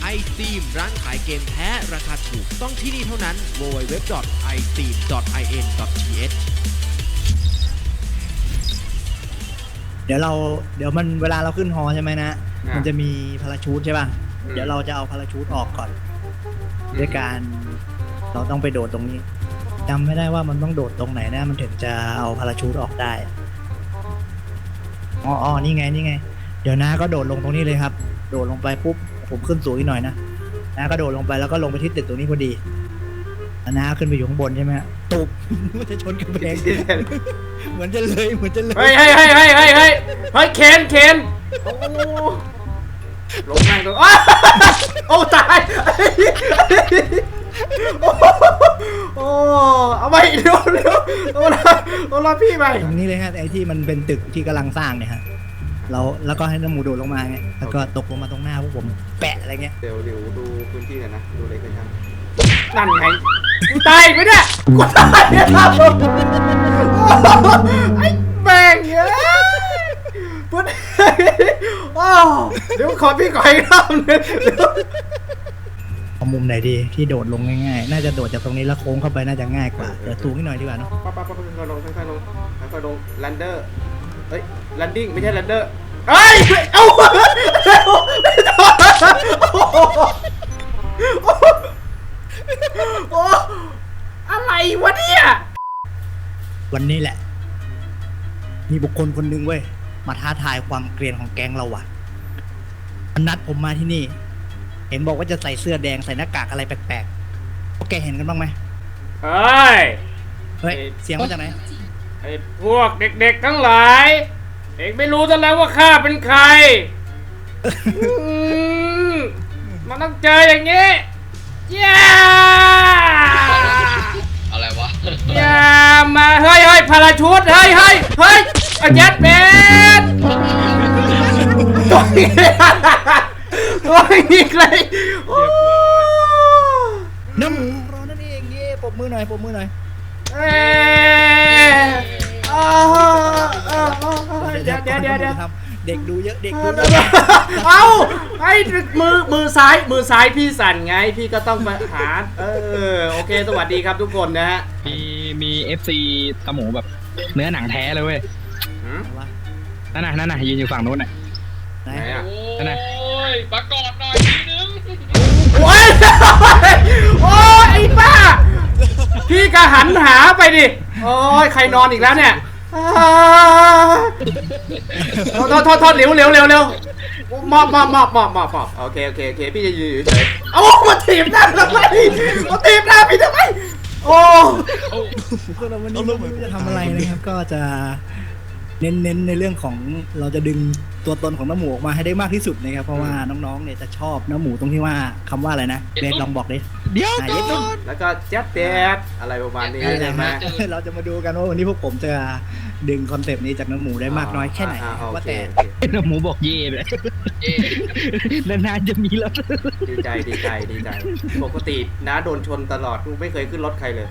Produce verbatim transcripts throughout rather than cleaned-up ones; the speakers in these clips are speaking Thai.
iTheme ร้านขายเกมแท้ราคาถูกต้องที่นี่เท่านั้น ดับเบิลยู ดับเบิลยู ดับเบิลยู ดอท ไอ ธีม ดอท ไอ เอ็น ดอท ที เอชเดี๋ยวเราเดี๋ยวมันเวลาเราขึ้นฮอใช่ไหมนะ มันจะมีพาราชูทใช่ป่ะ เดี๋ยวเราจะเอาพาราชูทออกก่อนด้วยการเราต้องไปโดดตรงนี้จำไม่ได้ว่ามันต้องโดดตรงไหนนะมันถึงจะเอาพาราชูทออกได้อ๋ออ๋อนี่ไงนี่ไงเดี๋ยวน้าก็โดดลงตรงนี้เลยครับโดดลงไปปุ๊บผมขึ้นสูงอีกหน่อยนะน้าก็โดดลงไปแล้วก็ลงไปที่ตึกตรงนี้พอดีน้าขึ้นไปอยู่ข้างบนใช่ไหมตุบมันจะชนกำแพงเหมือนจะเลยเหมือนจะเลยเฮ้ยเฮ้ยเฮ้ยเฮ้ยเฮ้ยเฮ้ยเฮ้ยเคนเคนโอ้ลงแม่งตัวโอ้ตายโอ้เอาไปเดี๋ยวเดี๋ยวเอาละเอาละพี่ไปตรงนี้เลยฮะไอ้ที่มันเป็นตึกที่กำลังสร้างเนี่ยฮะเราแล้วก็ให้น้ำหมูโดดลงมาไงแล้วก็ตกลงมาตรงหน้าพวกผมแปะอะไรเงี้ยเดี๋ยวเดี๋ยวดูพื้นที่หน่อยนะดูเลยกันครับนั่นไงกูตายไหมเนี่ยกูตายเนี่ยครับไอ้แม่งเอ้ยปุ๊ดโอ้เดี๋ยวขอพี่ขออีกรอบนึงเอามุมไหนดีที่โดดลงง่ายๆน่าจะโดดจากตรงนี้แล้วโค้งเข้าไปน่าจะง่ายกว่าเดี๋ยวสูงนิดหน่อยดีกว่าเนาะปั๊บปั๊บปั๊บค่อยๆลงค่อยๆลงค่อยๆลงแลนเดอร์เฮ้ยแลนดิ้งไม่ใช่แลนเดอร์เฮ้ยเอ้าโอ้อะไรวะเนี่ยวันนี้แหละมีบุคคลคนหนึ่งเว้ยมาท้าทายความเกรียนของแก๊งเราว่ะมันนัดผมมาที่นี่เห็นบอกว่าจะใส่เสื้อแดงใส่หน้ากากอะไรแปลกๆพวกแกเห็นกันบ้างไหมเฮ้ยเฮ้ยเสียงมาจากไหนไอ้พวกเด็กๆทั้งหลาย เด็กไม่รู้ซะแล้วว่าข้าเป็นใคร มันต้องเจออย่างนี้ย่าอะไรวะย่ามาเฮ้ยเฮ้ยพาราชูทเฮ้ยเฮ้ยเฮ้ยยัดเบ็ดตัวนี้ตัวนี้เลยน้ำหมูรอนั่นเองเย่ปรบมือหน่อยปรบมือหน่อยเอ๊ะเดี๋ยวเดี๋ยวเดี๋ยวเดี๋ยวเด็กดูเยอะเด็กดูเยอะเอ้าไอ้มือมือซ้ายมือซ้ายพี่สั่นไงพี่ก็ต้องมาหาเออโอเคสวัสดีครับทุกคนนะฮะมีมีเอฟซีตะหมูแบบเนื้อหนังแท้เลยเว้ยนั่นน่ะนั่นน่ะยืนอยู่ฝั่งนู้นน่ะไหนอ่ะนั่นน่ะโอ้ยประกอบหน่อยทีนึงโอ้ยโอ้ยไอ้ป้าพี่ก็หันหาไปดิโอ้ยใครนอนอีกแล้วเนี่ยโทษโทษโทษเร็วเร็วเร็วเร็วมอบมอบมอบมอบมอบมอบโอเคโอเคโอเคพี่จะยืนเฉยเอามาถีบหน้าทำไมมาถีบหน้าพี่ทำไมโอ้พวกเราวันนี้ไม่รู้จะทำอะไรนะครับก็จะเน้นๆในเรื่องของเราจะดึงตัวตนของน้ำหมูออกมาให้ได้มากที่สุดนะครับเพราะว่าน้องๆเนี่ยจะชอบน้ำหมูตรงที่ว่าคำว่าอะไรนะเบสลองบอกดิเดี๋ยวก่อนแล้วก็แจ๊บแจ๊บอะไรประมาณนี้ใช่ไหมเราจะมาดูกันว่าวันนี้พวกผมจะดึงคอนเซปต์นี้จากน้ำหมูได้มากน้อยแค่ไหนว่าแต่น้ำหมูบอกเย่เลยนานๆจะมีแล้วดีใจดีใจดีใจปกติน้าโดนชนตลอดไม่เคยขึ้นรถใครเลย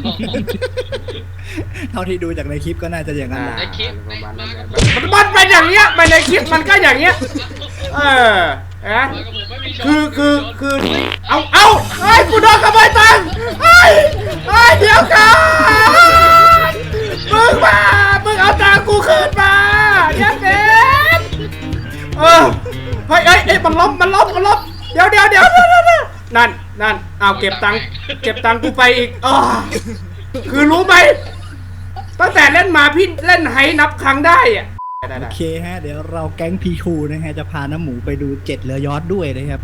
เท่าที่ดูจากในคลิปก็น่าจะอย่างนั้นในคลิปประมาณนั้นมันเป็นอย่างเงี้ยมันในคลิปมันก็อย่างเงี้ยเออนะคือคือคือเอาเอาไอ้กูโดนขโมยตังค์ไอ้ไอ้เดี๋ยวกันมึงมามึงเอาตังค์กูคืนมายันเด็ดเออเฮ้ยเอ้ยเอ้ยมันล้มมันล้มมันล้มเดี๋ยวเดี๋ยวเดี๋ยวนั่นนั่นเอาเก็บตังค์เก็บตังค์กูไปอีกอ๋อคือรู้ไหมตั้งแต่เล่นมาพี่เล่นไฮนับครั้งได้อะโอเคฮะเดี๋ยวเราแก๊งพีคูนะฮะจะพาน้ำหมูไปดูเจ็ดเรือยอชต์ด้วยนะครับ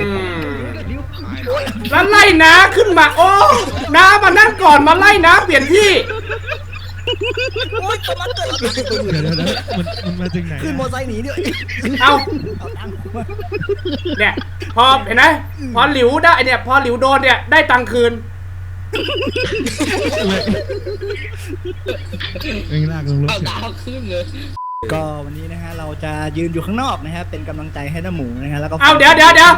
แล้วไล่น้าขึ้นมาโอ้น้ามานั่งก่อนมาไล่น้าเปลี่ยนที่โอ้ยมันเกิดมันมันมาถึงไหนขึ้นมอไซค์หนีเนี่ยเอาเนี่ยพอเห็นไหมพอหลิวได้เนี่ยพอหลิวโดนเนี่ยได้ตังค์คืนเองลากลงรถเอาดาวขึ้นเลยก็วันนี้นะฮะเราจะยืนอยู่ข้างนอกนะฮะเป็นกำลังใจให้น้ำหมูนะฮะแล้วก็เอาเดี๋ยวเดี๋ยวเดี๋ยว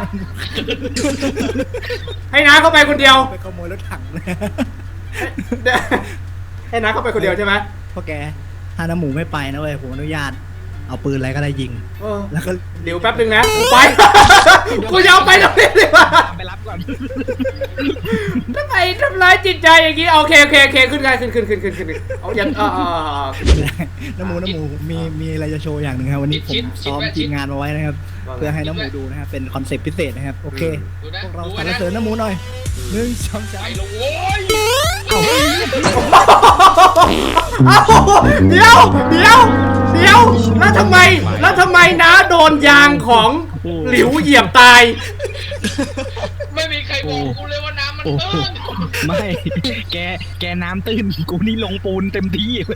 ให้น้าเข้าไปคนเดียวไปขโมยรถถังนะให้น้าเข้าไปคนเดียวใช่ไหมพ่อแกถ้าน้ำหมูไม่ไปนะเว้ยผมอนุญาตเอาปืนอะไรก็ได้ยิงเออแล้วก็เดี๋ยวแป๊บนึงนะไป กูจะเอาไปตรงนี้ดีกว่าไปรับก่อนทำไมทำร้ายจิตใจอย่างนี้โอเคโอเคโอเคขึ้นไงขึ้นขึ้นขึ้นขึ้นขึ้นเอาอย่างอ่าอ่าอ่าน้ำหมูน้ำหมูมีมีอะไรจะโชว์อย่างหนึ่งครับวันนี้ผมซ้อมทีมงานมาไว้นะครับเพื่อให้น้ำหมูดูนะครับเป็นคอนเซ็ปต์พิเศษนะครับโอเคดูนะพวกเราดูสรรนะเสริญน้ำหมูหน่อยหนึ่งสองสาไปมลงโว้ยเอาเดี๋ยวเดี๋ยวเดี๋ยวแล้วทำไมแล้วทำไมน้าโดนยางของหลิวเหยียบตายไม่มีใครบอกกูเลยว่าน้ำมันโอ้โหตื้นไม่ แกแกน้ำตื้นกูนี่ลงปูนเต็มที่ไป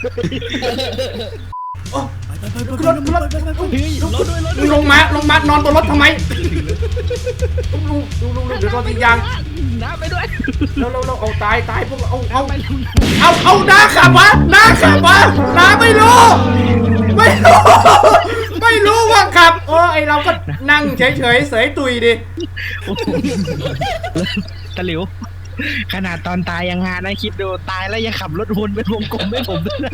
ไปไปไปรถรถไปไปไปเฮ้ยรถด้วยรถมึงลงมาลงมานอนบนรถทำไมดูดูดูดูเดี๋ยวโดนยิงยางน้ำไปด้วยแล้วแล้วแล้วเอาตายตายพวกเราเอาเอาเอาเอาน้าขับวะน้าขับวะน้าไม่รู้ไม่รู้ไม่รู้ว่าขับเออไอเราก็นั่งเฉยเฉยเสยตุยดิตะหลิว ขนาดตอนตายยังงานนะคิดดูตายแล้วยังขับรถวนเป็นวงกลมให้ผมด้วยนะ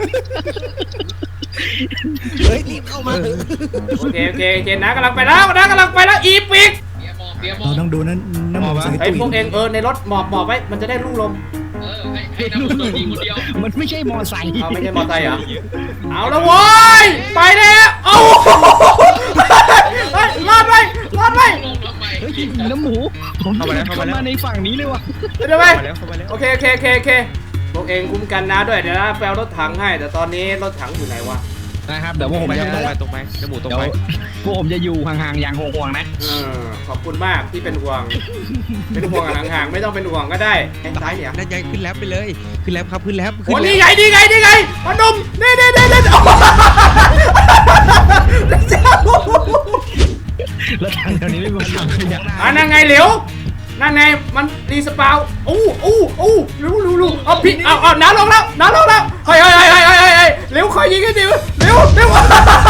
เฮ้ยรีบเข้ามาโอเคโอเคโอเคน้ากำลังไปแล้วน้ากำลังไปแล้วอีปิกเบียร์มองเบียร์มอเรางต้องดูนั้นน้ำหมูสายไอตุยพวกเองเออในรถหมอบหมอบไว้มันจะได้ลู่ลมเออให้ให้น้ำมันโดนยิงคนเดียวมันไม่ใช่มอไซค์เอาไม่ใช่มอเตอร์ไซค์เหรอเอาละโว้ยไปแล้วเอาเฮ้ยรอดไว้รอดไว้ลงทำไมเฮ้ยน้ำหมูผมเข้ามาเข้ามาในฝั่งนี้เลยว่ะเดี๋ยวไปโอเคโอเคโอเคโอเคพวกเองคุ้มกันนะด้วยเดี๋ยวนะแปลรถถังให้แต่ตอนนี้รถถังอยู่ไหนวะนะครับเดี๋ยวพวกผมจะตรงไปตรงไปน้ำหมูตรงเดี๋ยวไปพวกผมจะอยู่ห่างๆอย่างห่วงๆนะเออขอบคุณมากที่เป็นห่วง เป็นห่วงกันห่างๆไม่ต้องเป็นห่วงก็ได้ไอ้ซ้ายเนี่ยนั่นไงขึ้นแล้วไปเลย ขึ้นแล้วครับขึ้นแล้วขึ้โอ้นนี่แล้วไงนี่ไงนี่ไงพนมนี่นี่นี่นี่แล้วทางแถวนี้ไม่มีทางขยับอ่ะนั่นไงเหลวนั่นไงมันรีสปาวอู้อู้อู้รู้รู้รู้เอาพี่เอาเอาน้าลงแล้วน้าลงแล้วเฮ้ยเฮ้ยเฮ้ยเฮ้ยเฮ้ยเฮ้ยเหลวคอยยิงให้ดิวเหลวเหลวว้าว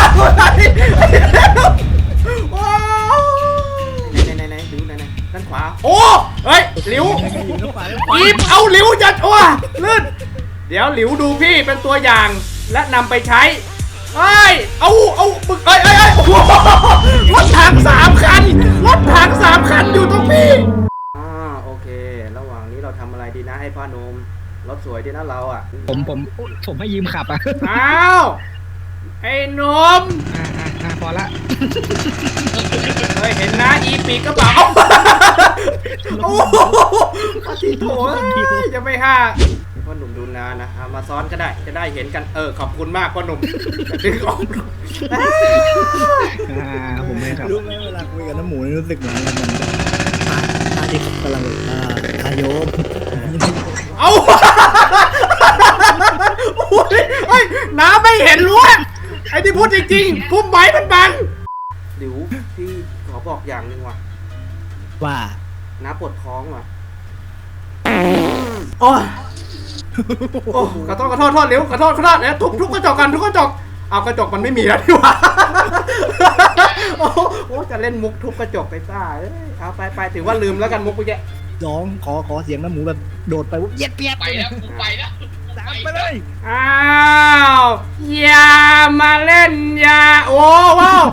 ไหนไหนไหนเหลวไหนไหนด้านขวาโอ้เฮ้ยเหลวอีบเอาเหลวจัดอ้วลื่นเดี๋ยวเหลวดูพี่เป็นตัวอย่างและนำไปใช้เฮ้ยเอาเอาบึกเอ้ยเอ้ยเอ้ยโอ้โหรถถังสามคันรถถังสามคันอยู่ตรงพี่อ่าโอเค ระหว่างนี้เราทำอะไรดีนะไอ้พ่อหนุ่มรถสวยดีนะเราอ่ะผมผมผมให้ยืมขับอ่ะอ้าวไอ้หนุ่มอ่าอ่าอ่าพอละเฮ้ยเห็นนะอีปีกกระเป๋าโอ้โหปฏิโถจะไม่ห้าพ่อหนุ่มดูนานะเอามาซ้อนก็ได้จะได้เห็นกันเออขอบคุณมากพ่อหนุ่มจะดึงออกอ่าผมไม่ขับรู้ไหมเวลาคุยกับน้ำหมูนี่รู้สึกเหมือนอะไรเหมือนตาที่เขากำลังอ่าอาโยมเอาโอ้ยเฮ้ยน้าไม่เห็นรู้ไอ้ที่พูดจริงๆพุ่มไม้มันบังหลิวพี่ขอบอกอย่างหนึ่งว่ะว่าน้าปวดท้องว่ะโอ้ยโอ้ขอโทษขอโทษโทษหลิวขอโทษขอโทษเนี่ยทุบทุบกระจกกันทุบกระจกเอากระจกมันไม่มีแล้วดีกว่าโอ้โหจะเล่นมุกทุบกระจกไปซ่าเอ้ยเอาไปไปถือว่าลืมแล้วกันมุกไปแกร้องขอขอเสียงน้ำหมูแบบโดดไปวุ๊บเย็ดเปียดไปแล้วกูไปแล้วตามไปเลยอ้าวอย่ามาเล่นอย่าโอ้ว้าวย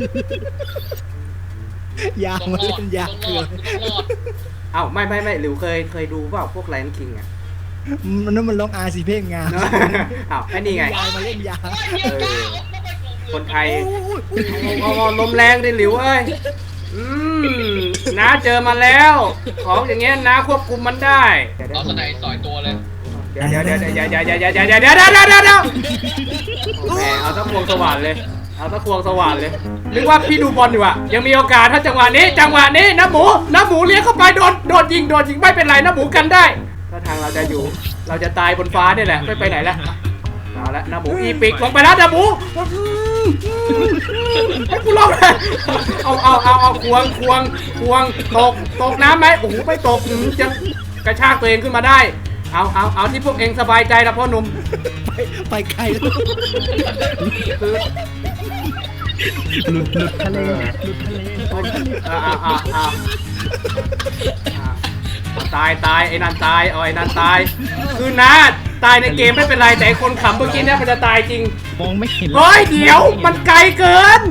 าวต้องมารอเล่ดนยาวต้องเกลืรออดต้องรอดเอ้าไม่ไม่ไม่หลิวเคยเคยดูเปล่าพวกไลน์คิงอ่ะมันนั่นมันร้องอาซีเพลงงามอ้าวไอ้นี่ไงยาวมาเล่นยาวเออคนไทยเอาเอาลมแรงดิหลิวเอ้ยอืมน้าเจอมาแล้ว ของอย่างเงี้ยน้าควบคุมมันได้เอาสไนด์สอยตัวเลยเดี๋ยวเดี๋ยวเดี๋ยวเดี๋ยวเดี๋ยวเดี๋ยวเดี๋ยวเดี๋ยวเดี๋ยวเดี๋ยวเดี๋ยวเดี๋ยวเดี๋ยวแหมเอาตะควงสว่านเลย เอาตะควงสว่านเลยนึกว่าพี่ดูบอลอยู่อะยังมีโอกาสถ้าจังหวะนี้ จังหวะนี้น้าหมูน้าหมูเลี้ยงเข้าไปโดนโดนยิงโดนยิงไม่เป็นไรน้าหมูกันได้ถ้าทางเราจะอยู่ เราจะตายบนฟ้าเนี่ยแหละไม่ไปไหนแล้วเอาละน้าหมูอีปิกลงไปแล้วน้าหมูให้กูลงเลยเอาเอาเอาเอาควงควงควงตกตกน้ำไหมโอ้โหไม่ตกจะกระชากตัวเองขึ้นมาได้ เอาเอาเอาที่พวกเองสบายใจนะพ่อหนุ่มไปไปไกลแล้วคือหลุดหลุดทะเลหลุดทะเลเอาเอาเอาเอาเอาตายตายไอ้นั่นตายเอาไอ้นั่นตายคือนาตายในเกมไม่เป็นไรแต่ไอ้คนขำเมื่อกี้เนี่ยมันจะตายจริงมองไม่เห็นเฮ้ยเดี๋ยวมันไกลเกิน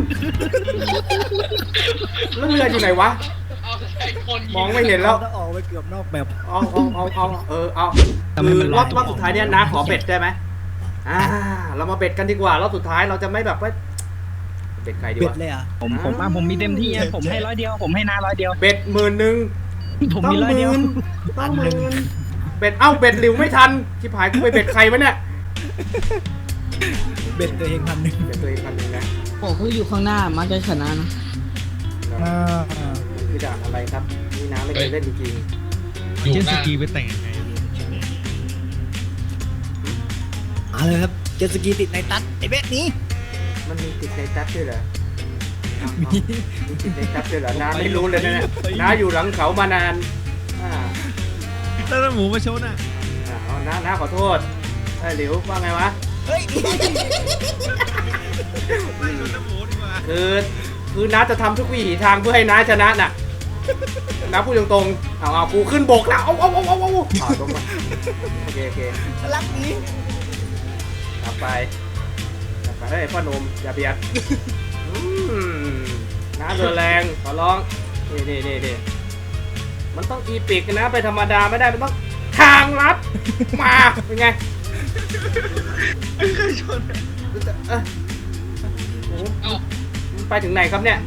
แล้วเรืออยู่ไหนวะเอาไอ้คนมองไม่เห็นแล้วเราออกไปเกือบนอกแบบเอาเอาเอาเอาเออเอาคือรอบรอบสุดท้ายเนี่ยนะขอเบ็ดได้ไหมอ่าเรามาเบ็ดกันดีกว่ารอบสุดท้ายเราจะไม่แบบว่าเบ็ดใครดีเบ็ดวะเลยอ่ะผมผมอ่ะผมมีเต็มที่อ่ะผมให้ร้อยเดียว ผมให้นาร้อยเดียวเบ็ดหมื่นหนึ่งผมต้องมีร้อยหเดียวมื่นต้องหมื่นเบ็ดเอ้าเบ็ดหลิวไม่ทันชิบหายกูไปเบ็ดใครวะเนี่ยเบ็ดตัวเองพันหนึ่งเบ็ดตัวเองพันหนึ่งนะผมก็อยู่ข้างหน้ามักจะชนะนะอ่ามันคือด่านอะไรครับนี่น้าไม่เคยเล่นจริงอยู่เจ็ตหสน้ากีไปแต่งยังไงเอาเลยครับเจ็ตสกีติดในตัดไอ้เบ็ดนี้ๆมันมีติดในตัดด้วยเหรอเอาเอามีติดในตัดด้วยเหรอน้าไม่รู้เลยนะเนี่ยน้าอยู่หลังเขามานานอ่าแล้วหมูมาชนอ่ะอ่าเอาน้าน้าขอโทษไอ้ยหลิวว่าไงวะเฮ้ยน้ำหมูดีกว่าคือคือน้าจะทำทุกวิถีทางเพื่อให้น้าชนะน่ะน้าพูดตรงๆเอาเอากูขึ้นบกแล้วเอาเอาเอาเอาเอาเอาตรงมาโอเคโอเครักนี้กลับไปกลับไปเฮ้ยพ่อหนุ่มอย่าเบียดอืมน้าเดินแรงขอร้องนี่นี่นี่นี่มันต้องอีปิกนะไปธรรมดาไม่ได้มันต้องทางลัดมาเป็นไงเอ้ยโอ้โหเอ้ามันไปถึงไหนครับเนี่ย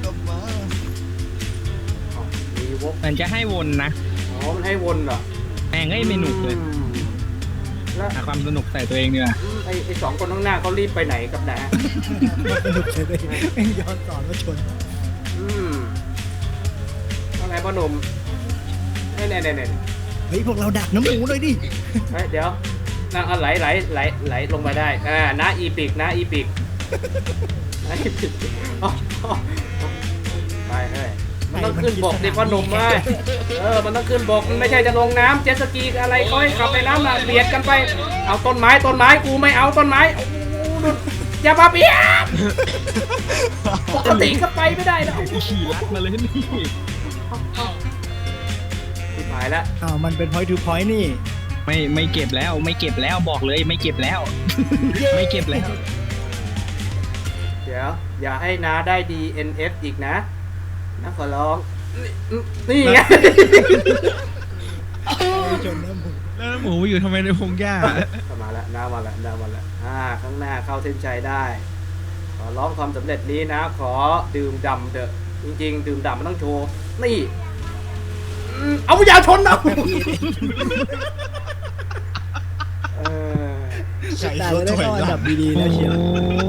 อ๋อมีวกมันจะให้วนนะอ๋อ มันให้วนเหรอแม่งเอ้ยไม่หนุกเลยอืมแล้วหาความสนุกใส่ตัวเองดีกว่าอืมไอ้ไอ้สองคนข้างหน้าเขารีบไปไหนกับนะสนุกเลยเลยแม่งย้อนสอนมาชนอืมว่าไงพ่อหนุ่มเน่เน่เน่เน่เฮ้ยพวกเราดักน้ำหมูเลยดิเฮ้ยเดี๋ยวนั่งเอาไหลไหลไหลไหลลงมาได้ อ่าน้าอีปิกน้าอีปิกน้าอีปิกอ๋ออ๋อไปเฮ้ยมันต้องขึ้นบกดิพ่อหนุ่มเว้ยเออ มันต้องขึ้นบก มันไม่ใช่จะลงน้ำเจ็ตสกีอะไรก็ให้ขับในน้ำน่ะเบียดกันไป เอาต้นไม้ต้นไม้กูไม่เอาต้นไม้โอ้โหดูอย่ามาเบียดปกติก็ไปไม่ได้แล้วขี่ลัดมาเลยนี่เอ้าที่หายแล้วอ้าวมันเป็น point to point นี่ไม่ไม่เก็บแล้วไม่เก็บแล้วบอกเลยไม่เก็บแล้ว ไม่เก็บแล้วเดี๋ยว อย่าให้น้าได้ ดี เอ็น เอฟ อีกนะนะขอร้องนี่นี่ไงชนน้ำหมูแล้วน้ำหมูไปอยู่ทำไมในพงหญ้ามาแล้วน้ามาแล้วน้ามาแล้วอ่าข้างหน้าเข้าเส้นชัยได้ ขอร้องความสำเร็จนี้นะ ขอดื่มด่ำเถอะจริงๆ ดื่มด่ำมันต้องโชว์นี่อืมเอาอย่าชนนะเออแต่เราได้เข้าอันดับดีๆแล้วเชียว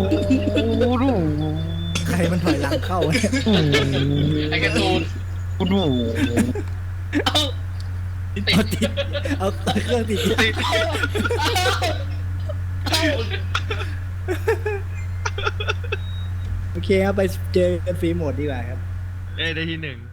ใครมันถอยหลังเข้าเนี่ยไอ้การ์ตูนกูดูเอ้าเอาติดเอาเครื่องติด โอเคครับไปเจอกันฟรีโหมดดีกว่าครับเอ้ยได้ที่หนึ่ง